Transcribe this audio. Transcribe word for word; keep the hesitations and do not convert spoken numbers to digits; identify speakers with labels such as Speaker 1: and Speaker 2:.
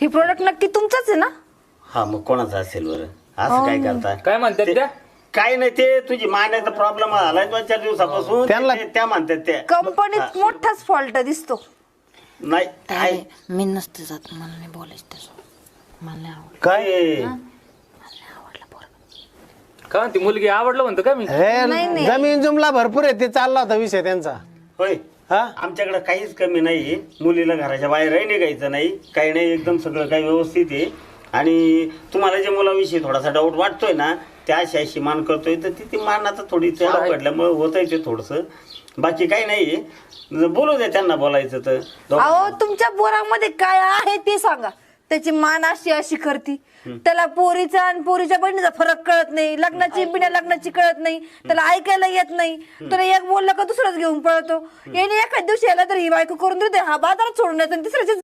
Speaker 1: हे प्रोडक्ट नक्की तुमचंच आहे ना?
Speaker 2: हा मग कोणाचं असेल बरं असं काय करता
Speaker 3: काय म्हणतात त्या?
Speaker 2: काय नाही ते तुझी मान्याचा प्रॉब्लेम झालाय दोन चार दिवसापासून
Speaker 4: त्यांना-
Speaker 2: ते- त्या म्हणतात त्या
Speaker 1: कंपनीत मोठाच फॉल्ट दिसतो.
Speaker 2: नाही काय
Speaker 5: मी नसते जात, मला नाही बोलायचं त्याचं, मला नाही आवडलं.
Speaker 2: काय
Speaker 3: का ती मुलगी आवडलं म्हणतो का मी?
Speaker 4: हे जमीन जुमला भरपूर आहे, ते चालला होता विषय त्यांचा.
Speaker 2: होय
Speaker 4: हा
Speaker 2: आमच्याकडे काहीच कमी नाही. मुलीला घराच्या बाहेरही निघायचं नाही, काही नाही, एकदम सगळं काही व्यवस्थित आहे. आणि तुम्हाला जे मुलाविषयी थोडासा डाऊट वाटतोय ना, त्या अशी अशी मान करतोय तर ती ती मान आता थोडी अवघडल्यामुळे होत आहे ते थोडंसं, बाकी काही नाही. बोलू द्या त्यांना बोलायचं तर.
Speaker 1: अहो तुमच्या पोरामध्ये काय आहे ते सांगा. त्याची मान अशी अशी करती, त्याला पोरीचा आणि पोरीच्या बहिणीचा फरक कळत नाही, लग्नाची बिना लग्नाची कळत नाही, त्याला ऐकायला येत नाही, त्याला एक बोललं का दुसरंच घेऊन पळतो. याने एखाद दिवशी याला तर ही बायको करून देते, हा बाजारात सोडून येतो, तिसऱ्याची